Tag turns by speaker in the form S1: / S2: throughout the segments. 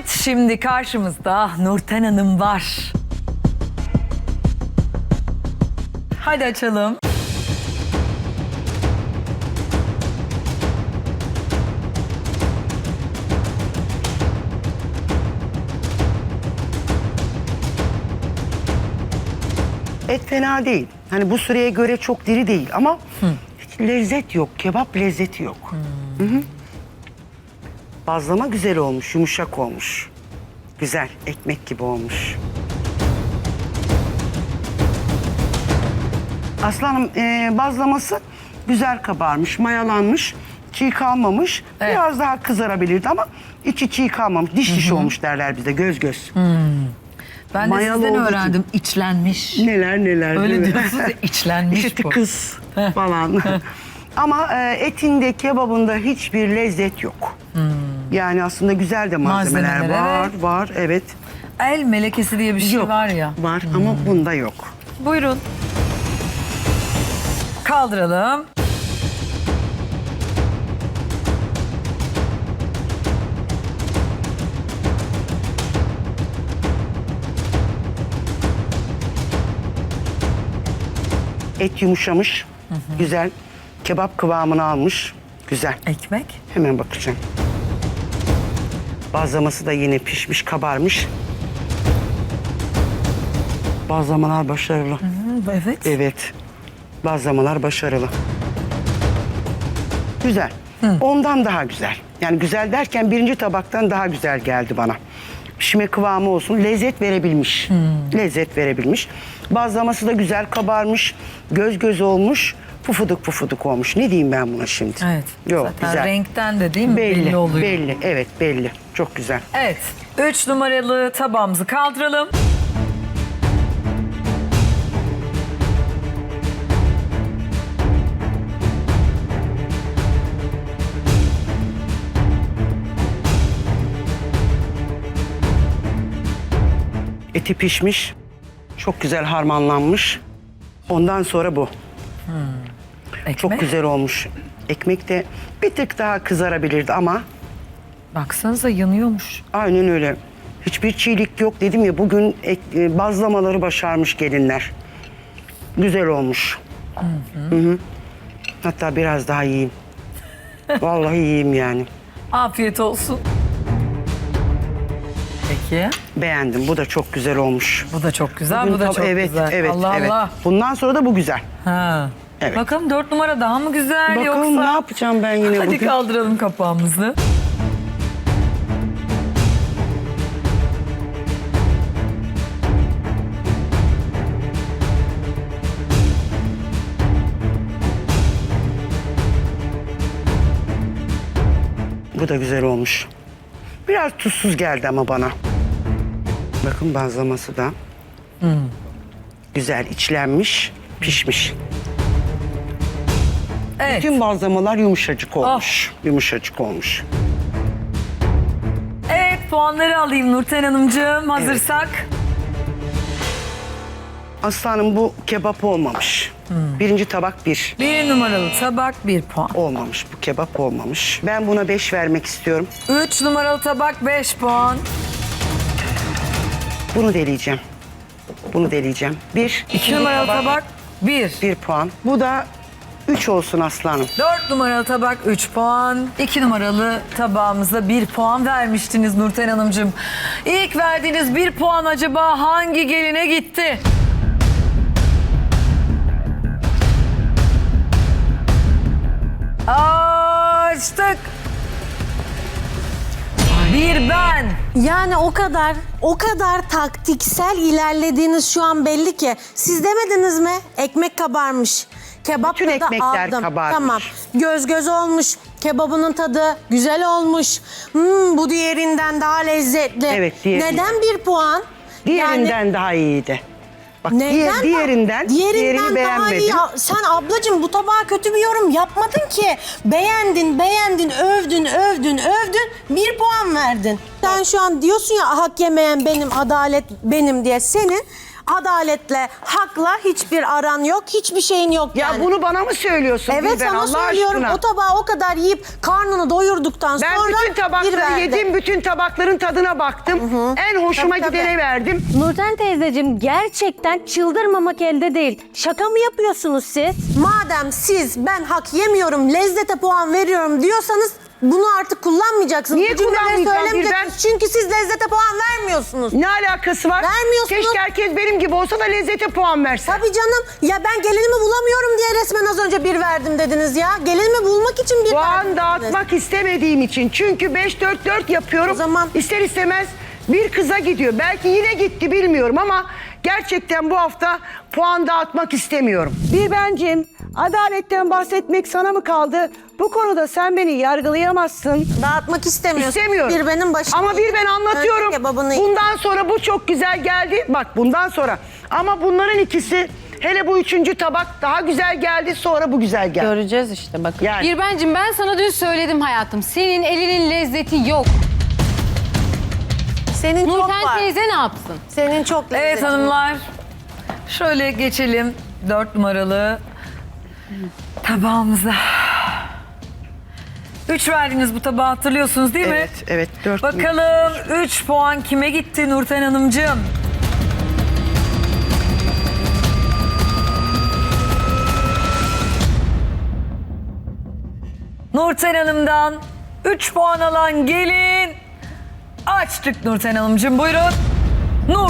S1: Evet, şimdi karşımızda Nurten Hanım var. Hadi açalım.
S2: Et fena değil. Hani bu süreye göre çok diri değil ama hiç lezzet yok. Kebap lezzeti yok. Hı hı. Bazlama güzel olmuş, yumuşak olmuş. Güzel, ekmek gibi olmuş. Aslanım bazlaması güzel kabarmış, mayalanmış, çiğ kalmamış.
S1: Evet.
S2: Biraz daha kızarabilirdi ama içi çiğ kalmamış. Diş diş olmuş derler bizde, göz göz.
S1: Ben de
S2: Mayalı
S1: sizden
S2: olduğu için.
S1: öğrendim. İçlenmiş.
S2: Neler neler.
S1: Öyle
S2: değil mi?
S1: diyorsunuz ya, içlenmiş
S2: İşte
S1: bu.
S2: kız falan. Ama etinde, kebabında hiçbir lezzet yok. Yani aslında güzel de malzemeler
S1: Malzemeler,
S2: var,
S1: evet.
S2: var, evet.
S1: El melekesi diye bir şey
S2: Yok,
S1: var ya.
S2: var ama bunda yok.
S1: Buyurun. Kaldıralım.
S2: Et yumuşamış, güzel. Kebap kıvamını almış, güzel.
S1: Ekmek.
S2: Hemen bakacağım. Bazlaması da yine pişmiş, kabarmış. Bazlamalar başarılı.
S1: Evet.
S2: Evet. Bazlamalar başarılı. Güzel. Ondan daha güzel. Yani güzel derken birinci tabaktan daha güzel geldi bana. Pişme kıvamı olsun. Lezzet verebilmiş. Lezzet verebilmiş. Bazlaması da güzel kabarmış. Göz göz olmuş. Pufuduk pufuduk olmuş. Ne diyeyim ben buna şimdi?
S1: Evet.
S2: Yok,
S1: Zaten
S2: güzel.
S1: renkten de değil mi? Belli oluyor.
S2: Belli. Evet, belli. Çok güzel.
S1: Evet. 3 numaralı tabağımızı kaldıralım.
S2: Eti pişmiş. Çok güzel harmanlanmış. Ondan sonra bu.
S1: Ekmek.
S2: Çok güzel olmuş. Ekmek de bir tık daha kızarabilirdi ama
S1: Baksanıza yanıyormuş.
S2: aynen öyle. Hiçbir çiğlik yok dedim ya, bugün bazlamaları başarmış gelinler. Güzel olmuş. Hı hı. Hatta biraz daha yiyeyim. Vallahi yiyeyim yani.
S1: Afiyet olsun. Peki.
S2: Beğendim. Bu da çok güzel olmuş.
S1: Bu da çok güzel,
S2: Bugün
S1: bu da
S2: tab-
S1: çok
S2: evet,
S1: güzel.
S2: Evet,
S1: Allah
S2: evet.
S1: Allah.
S2: Bundan sonra da bu güzel.
S1: Ha.
S2: Evet.
S1: Bakalım 4 numara daha mı güzel
S2: Bakalım
S1: yoksa?
S2: ne yapacağım ben yine
S1: Hadi
S2: bugün.
S1: kaldıralım kapağımızı.
S2: Bu da güzel olmuş. Biraz tuzsuz geldi ama bana. Bakın bazlaması da. Güzel içlenmiş, pişmiş.
S1: Evet.
S2: Tüm bazlamalar yumuşacık olmuş. Yumuşacık olmuş.
S1: Evet, puanları alayım Nurten Hanımcığım. Hazırsak.
S2: Aslanım bu kebap olmamış. Birinci tabak 1.
S1: 1 numaralı tabak 1 puan.
S2: Olmamış, bu kebap olmamış. Ben buna 5 vermek istiyorum.
S1: 3 numaralı tabak 5 puan.
S2: Bunu deleyeceğim. Bunu deleyeceğim. 1.
S1: 2 numaralı tabak 1.
S2: 1 puan. Bu da 3 olsun aslanım.
S1: 4 numaralı tabak 3 puan. 2 numaralı tabağımıza 1 puan vermiştiniz Nurten Hanımcığım. İlk verdiğiniz 1 puan acaba hangi geline gitti? Açtık. Bir ben.
S3: Yani o kadar taktiksel ilerlediğiniz şu an belli ki. Siz demediniz mi? Ekmek kabarmış. Kebap
S2: Bütün
S3: tadı
S2: ekmekler
S3: aldım.
S2: kabarmış.
S3: Tamam. Göz göz olmuş. Kebabının tadı güzel olmuş. Bu diğerinden daha lezzetli.
S2: Evet, diğeri.
S3: Neden 1 puan?
S2: Diğerinden daha iyiydi. Bak
S3: Neden?
S2: diğerinden diğerini
S3: daha iyi.
S2: beğenmedim.
S3: Sen ablacığım bu tabağa kötü bir yorum yapmadın ki. Beğendin, övdün. 1 puan verdin. Sen şu an diyorsun ya hak yemeyen benim, adalet benim diye. Senin Adaletle, hakla hiçbir aran yok, hiçbir şeyin yok
S2: Ya
S3: yani.
S2: bunu bana mı söylüyorsun?
S3: Evet,
S2: Gülben,
S3: sana
S2: Allah
S3: söylüyorum.
S2: aşkına?
S3: O tabağı o kadar yiyip karnını doyurduktan
S2: Ben
S3: sonra
S2: bütün
S3: bir
S2: tabakları
S3: verdi.
S2: yedim, bütün tabakların tadına baktım. En hoşuma
S3: Tabii,
S2: gidene
S3: tabii.
S2: verdim.
S4: Nurten teyzeciğim gerçekten çıldırmamak elde değil. Şaka mı yapıyorsunuz siz?
S3: Madem siz ben hak yemiyorum, lezzete puan veriyorum diyorsanız bunu artık kullanmayacaksınız.
S2: Niye
S3: Bu cümleleri
S2: kullanmayacağım
S3: söylemeyeceksiniz. Çünkü siz lezzete puan vermiyorsunuz.
S2: Ne alakası var?
S3: Vermiyorsunuz.
S2: Keşke herkes benim gibi olsa da lezzete puan verse.
S3: Tabii canım. Ya ben gelinimi bulamıyorum diye resmen az önce bir verdim dediniz ya. Gelinimi bulmak için bir verdim
S2: Puan
S3: dediniz.
S2: dağıtmak istemediğim için. Çünkü 5-4-4 yapıyorum.
S3: O zaman-
S2: İster istemez bir kıza gidiyor. Belki yine gitti bilmiyorum ama gerçekten bu hafta puan dağıtmak istemiyorum. Bir bencim, adaletten bahsetmek sana mı kaldı? Bu konuda sen beni yargılayamazsın.
S3: Dağıtmak istemiyorsun.
S2: İstemiyorum.
S3: Bir benim başım.
S2: Ama bir ben anlatıyorum.
S3: Kebabını
S2: Bundan sonra bu çok güzel geldi. Bak bundan sonra. Ama bunların ikisi, hele bu üçüncü tabak daha güzel geldi. Sonra bu güzel geldi.
S4: Göreceğiz işte bakın.
S2: Yani.
S5: Birbencim ben sana dün söyledim hayatım. Senin elinin lezzeti yok.
S3: Senin çok
S5: Nurten
S3: var.
S5: teyze ne yapsın?
S3: Senin çok lezzetli.
S1: Evet hanımlar. Şöyle geçelim 4 numaralı tabağımıza. 3 verdiğiniz bu tabağı hatırlıyorsunuz değil mi?
S2: Evet, evet. 4
S1: Bakalım 3 puan kime gitti Nurten Hanımcığım? Nurten Hanım'dan 3 puan alan gelin. Açtık Nurten Hanımcığım, buyurun. Nur.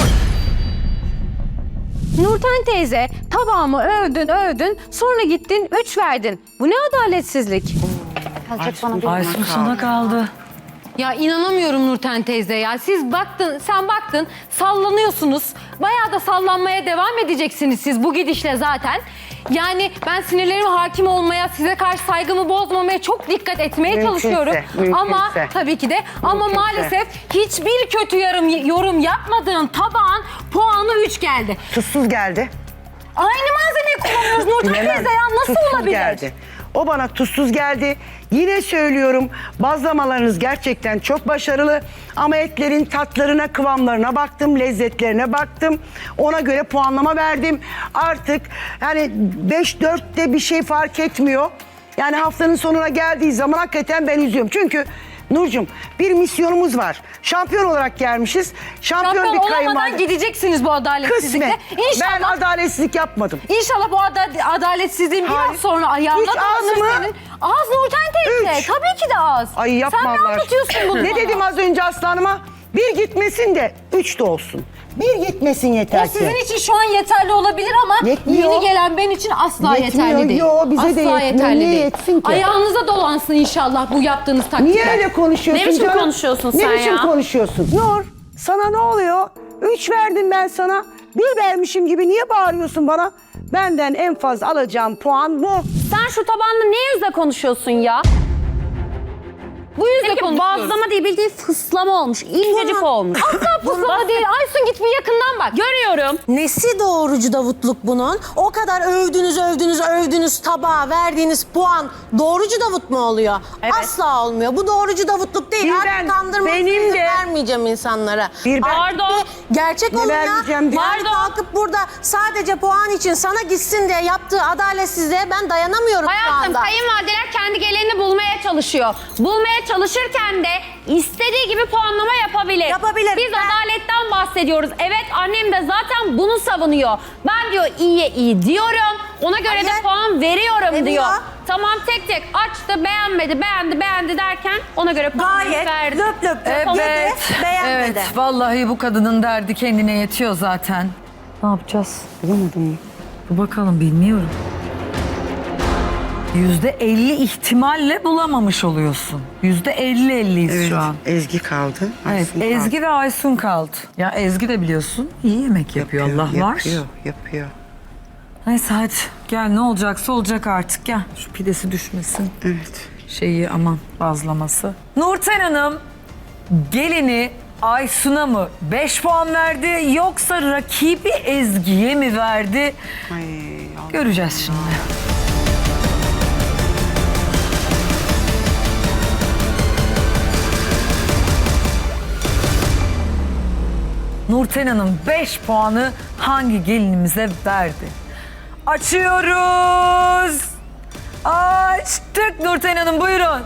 S4: Nurten teyze tabağımı övdün sonra gittin 3 verdin. Bu ne adaletsizlik?
S1: Aysun sana kaldı.
S5: Ya inanamıyorum Nurten teyze ya. Sen baktın sallanıyorsunuz. Bayağı da sallanmaya devam edeceksiniz siz bu gidişle zaten. Yani ben sinirlerime hakim olmaya, size karşı saygımı bozmamaya çok dikkat etmeye
S2: Mümkünse,
S5: çalışıyorum. Ama
S2: mümkünse.
S5: tabii ki de ama
S2: Mümkünse.
S5: maalesef hiçbir kötü yorum yapmadığın tabağın puanı 3 geldi.
S2: Tuzsuz geldi.
S5: Aynı malzemeyi kullanıyoruz Nurten
S2: Bilemem.
S5: teyze ya nasıl
S2: Tuzsuz
S5: olabilir?
S2: geldi. O bana tuzsuz geldi. Yine söylüyorum, bazlamalarınız gerçekten çok başarılı. Ama etlerin tatlarına, kıvamlarına baktım, lezzetlerine baktım. Ona göre puanlama verdim. Artık yani 5-4'te bir şey fark etmiyor. Yani haftanın sonuna geldiği zaman hakikaten ben üzüyorum. Çünkü Nurcuğum bir misyonumuz var. Şampiyon olarak gelmişiz. Şampiyon
S5: Şampiyon
S2: bir
S5: olamadan
S2: kayınvalide.
S5: gideceksiniz bu adaletsizlikle.
S2: Kısmet. Ben
S5: İnşallah,
S2: adaletsizlik yapmadım.
S5: inşallah bu adaletsizliğin
S2: Hayır.
S5: biraz sonra ayağına
S2: Üç az
S5: dolanır
S2: mı?
S5: senin. Az Nurten teyze.
S2: Üç.
S5: Tabii ki de az.
S2: Ay yapma
S5: Sen ne
S2: Allah
S5: anlatıyorsun
S2: aşkına.
S5: bunu
S2: Ne
S5: bana?
S2: dedim az önce aslanıma? Bir gitmesin de 3 de olsun. Bir gitmesin yeter
S5: O
S2: ki.
S5: sizin için şu an yeterli olabilir ama
S2: Yetmiyor.
S5: yeni gelen ben için asla
S2: Yetmiyor.
S5: yeterli değil.
S2: Yo, bize de
S5: asla
S2: yetmiyor.
S5: yeterli
S2: Niye
S5: değil.
S2: yetsin ki?
S5: Ayağınıza dolansın inşallah bu yaptığınız taktikler.
S2: Niye öyle konuşuyorsun
S4: Ne biçim
S2: canım?
S4: konuşuyorsun
S2: ne
S4: sen
S2: biçim
S4: ya?
S2: konuşuyorsun? Nur sana ne oluyor? 3 verdim ben sana. 1 vermişim gibi niye bağırıyorsun bana? Benden en fazla alacağım puan bu.
S4: Sen şu tabanla ne yüzle konuşuyorsun ya?
S5: Bu yüzden
S4: Peki
S5: konuşuyoruz.
S4: bazlama değil bildiğin fıslama olmuş. İncecik olmuş.
S5: Asla pusulama değil. Aysun git bir yakından bak.
S4: Görüyorum.
S3: Nesi doğrucu Davutluk bunun? O kadar övdünüz tabağa verdiğiniz puan doğrucu Davut mu oluyor?
S4: Evet.
S3: Asla olmuyor. Bu doğrucu Davutluk değil.
S2: Bir
S3: Artık
S2: ben,
S3: kandırmak
S2: benim
S3: izin
S2: de-
S3: vermeyeceğim insanlara.
S2: Bir ben-
S3: Artık
S4: Pardon.
S3: bir gerçek
S2: Ne
S3: olun ya.
S2: vermeyeceğim diye.
S3: Yani kalkıp burada sadece puan için sana gitsin diye yaptığı adaletsizliğe ben dayanamıyorum şu
S6: Hayatım
S3: anda.
S6: kayınvalideler kendi gelenini bulmaya çalışıyor. Bulmaya çalışırken de istediği gibi puanlama yapabilir.
S3: Yapabilir.
S6: Biz adaletten bahsediyoruz. Evet annem de zaten bunu savunuyor. Ben diyor iyiye iyi diyorum. Ona göre
S3: Hayır.
S6: de puan veriyorum
S3: Ne
S6: diyor.
S3: diyor?
S6: Tamam tek tek açtı beğenmedi beğendi derken ona göre puanını
S3: Gayet
S6: verdi.
S3: löp löp
S1: Evet,
S3: yedi, beğenmedi.
S1: evet. Vallahi bu kadının derdi kendine yetiyor zaten. Ne yapacağız?
S2: Bulamadım mı?
S1: Dur bakalım, bilmiyorum. %50 ihtimalle bulamamış oluyorsun. %50-50'yiz şu an.
S2: Ezgi kaldı.
S1: Evet,
S2: Aysun
S1: Ezgi ve Aysun kaldı. Ya Ezgi de biliyorsun iyi yemek yapıyor, Allah var.
S2: Yapıyor.
S1: Neyse hadi gel, ne olacaksa olacak artık, gel. Şu pidesi düşmesin.
S2: Evet.
S1: Şeyi aman, bazlaması. Nurten Hanım gelini Aysun'a mı 5 puan verdi yoksa rakibi Ezgi'ye mi verdi?
S2: Ay,
S1: Göreceğiz şimdi. Nurten Hanım 5 puanı hangi gelinimize verdi? Açıyoruz. Açtık Nurten Hanım, buyurun.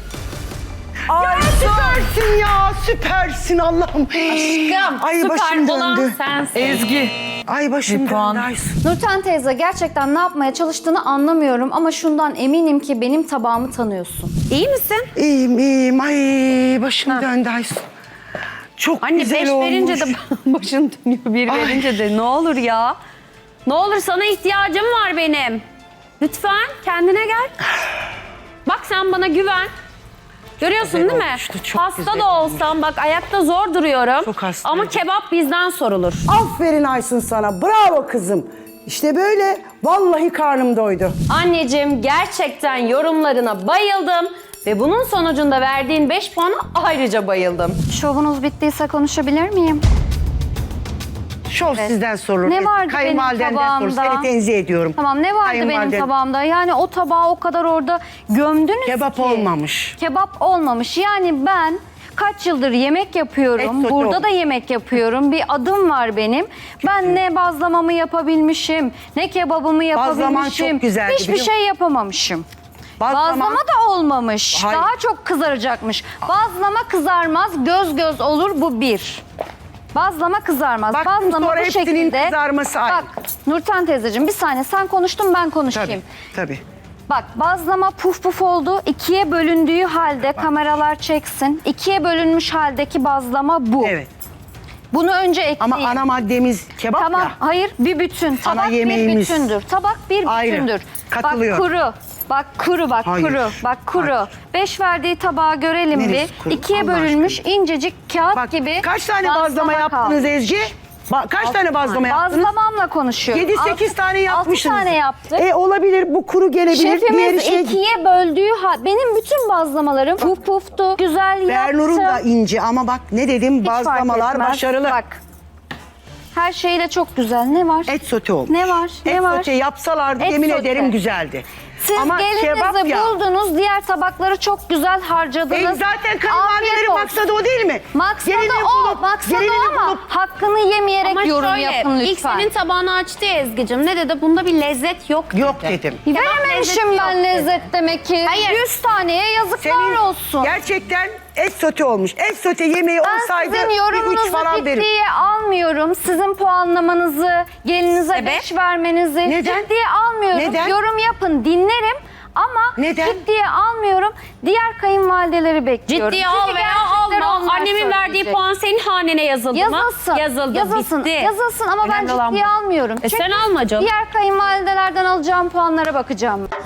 S2: Süpersin ya, süpersin Allah'ım.
S6: Aşkım,
S2: Ay, başım
S6: süper olan
S2: döndü.
S6: sensin.
S1: Ezgi.
S2: Ay başım
S1: Bir puan.
S2: döndü Aysun.
S7: Nurten teyze gerçekten ne yapmaya çalıştığını anlamıyorum ama şundan eminim ki benim tabağımı tanıyorsun.
S6: İyi misin?
S2: İyiyim iyiyim. Ay başım döndü Aysun. Çok
S6: Anne
S2: güzel
S6: 5
S2: olmuş.
S6: verince de başın dönüyor. 1
S2: Ay.
S6: verince de ne olur ya. Ne olur, sana ihtiyacım var benim. Lütfen kendine gel. Bak sen bana güven. Görüyorsun
S2: Güzel
S6: değil mi?
S2: olmuştu, çok
S6: Hasta
S2: güzel
S6: da olsam bak ayakta zor duruyorum.
S2: Çok hastaydım.
S6: Ama kebap bizden sorulur.
S8: Aferin Aysun sana. Bravo kızım. İşte böyle. Vallahi karnım doydu.
S6: Anneciğim gerçekten yorumlarına bayıldım. Ve bunun sonucunda verdiğin 5 puana ayrıca bayıldım.
S7: Şovunuz bittiyse konuşabilir miyim?
S2: Şov sizden sorulur.
S7: Ne vardı benim
S2: Kayınvalidenden sorulur.
S7: tabağımda?
S2: Seni tenzih ediyorum.
S7: Tamam, ne vardı benim
S2: Kayınvaliden-
S7: tabağımda? Yani o tabağı o kadar orada gömdünüz
S2: Kebap
S7: ki.
S2: olmamış.
S7: Kebap olmamış. Yani ben kaç yıldır yemek yapıyorum.
S2: Et sote
S7: Burada
S2: olmuş.
S7: da yemek yapıyorum. Bir adım var benim. Ben ne bazlamamı yapabilmişim, ne kebabımı yapabilmişim.
S2: çok güzeldi,
S7: Hiçbir
S2: biliyor
S7: şey yapamamışım. Bazlama da olmamış.
S2: Hayır.
S7: Daha çok kızaracakmış. Bazlama kızarmaz, göz göz olur, bu bir. Bazlama kızarmaz.
S2: Baktım
S7: Bazlama
S2: sonra
S7: bu
S2: hepsinin
S7: şekilde.
S2: kızarması aynı.
S7: Bak Nurten teyzeciğim, bir saniye, sen konuştun, ben konuşayım.
S2: Tabii.
S7: Bak, bazlama puf puf oldu. İkiye bölündüğü halde kameralar çeksin. İkiye bölünmüş haldeki bazlama bu.
S2: Evet.
S7: Bunu önce ekleyin.
S2: Ama ana maddemiz kebap
S7: Tamam,
S2: ya.
S7: hayır, bir bütün. Tabak bir
S2: yemeğimiz.
S7: bütündür. Tabak bir
S2: Ayrı.
S7: bütündür.
S2: Katılıyorum.
S7: Bak kuru. Bak kuru, bak
S2: Hayır.
S7: kuru, bak kuru.
S2: Hayır.
S7: 5 verdiği tabağı görelim
S2: Neresi
S7: bir.
S2: kuru?
S7: İkiye
S2: Allah
S7: bölünmüş incecik kağıt
S2: Bak
S7: gibi.
S2: kaç tane bazlama yaptınız
S7: kalmış.
S2: Ezgi? Kaç tane bazlama yaptınız?
S7: Bazlamamla konuşuyorum.
S2: 7-8 tane yapmışsınız.
S7: 6 tane yaptık.
S8: Olabilir, bu kuru gelebilir. Diğeri
S7: Şefimiz
S8: şey...
S7: ikiye böldüğü benim bütün bazlamalarım puf puftu, güzel
S2: Bernur'un da
S7: yaptım.
S2: ince ama bak ne dedim,
S7: Hiç fark
S2: bazlamalar
S7: etmez.
S2: başarılı.
S7: Bak, her şeyle çok güzel. Ne var?
S2: Et sote olmuş.
S7: Ne var? Ne
S2: Et
S7: var?
S2: sote yapsalardı
S7: Et
S2: yemin
S7: sote.
S2: ederim güzeldi.
S7: Siz
S2: ama kebap
S7: gelinizi
S2: ya.
S7: buldunuz, diğer tabakları çok güzel harcadınız.
S2: Zaten kayınvalidelerin
S7: Afiyet olsun.
S2: maksadı o değil mi?
S7: Maksadı
S2: Gelini
S7: o,
S2: bulup-
S7: maksadı
S2: gelini
S7: ama
S2: bulup-
S7: hakkını yemeyerek
S6: Ama
S7: yorum
S6: şöyle,
S7: yapın
S6: ilk
S7: lütfen.
S6: senin tabağını açtı ya Ezgi'cim. Ne dedi? Bunda bir lezzet yok dedi.
S2: Yok dedim.
S7: Verememişim
S6: lezzeti
S7: ben
S6: yok
S7: lezzet demek ki.
S6: Hayır.
S7: 100 taneye yazıklar olsun.
S2: Gerçekten et sote olmuş. Et sote yemeği
S7: Ben
S2: olsaydı
S7: sizin
S2: bir 3
S7: yorumunuzu
S2: falan verir.
S7: ciddiye almıyorum. Sizin puanlamanızı, gelinize
S6: Sebep?
S7: 5 vermenizi
S2: Neden?
S7: ciddiye almıyorum.
S2: Neden?
S7: Yorum yapın, dinlerim ama
S2: Neden?
S7: ciddiye almıyorum. Diğer kayınvalideleri bekliyorum.
S6: Ciddiye
S7: Çünkü
S6: al veya
S7: gerçekleri
S6: alma.
S7: onlar
S6: Annemin verdiği
S7: söyleyecek.
S6: puan senin hanene yazıldı mı?
S7: Yazılsın.
S6: Yazıldı.
S7: Yazılsın.
S6: Bitti.
S7: Yazılsın ama ben
S6: Önemli olan
S7: ciddiye
S6: bu.
S7: almıyorum.
S6: Sen alma canım.
S7: Diğer kayınvalidelerden alacağım puanlara bakacağım.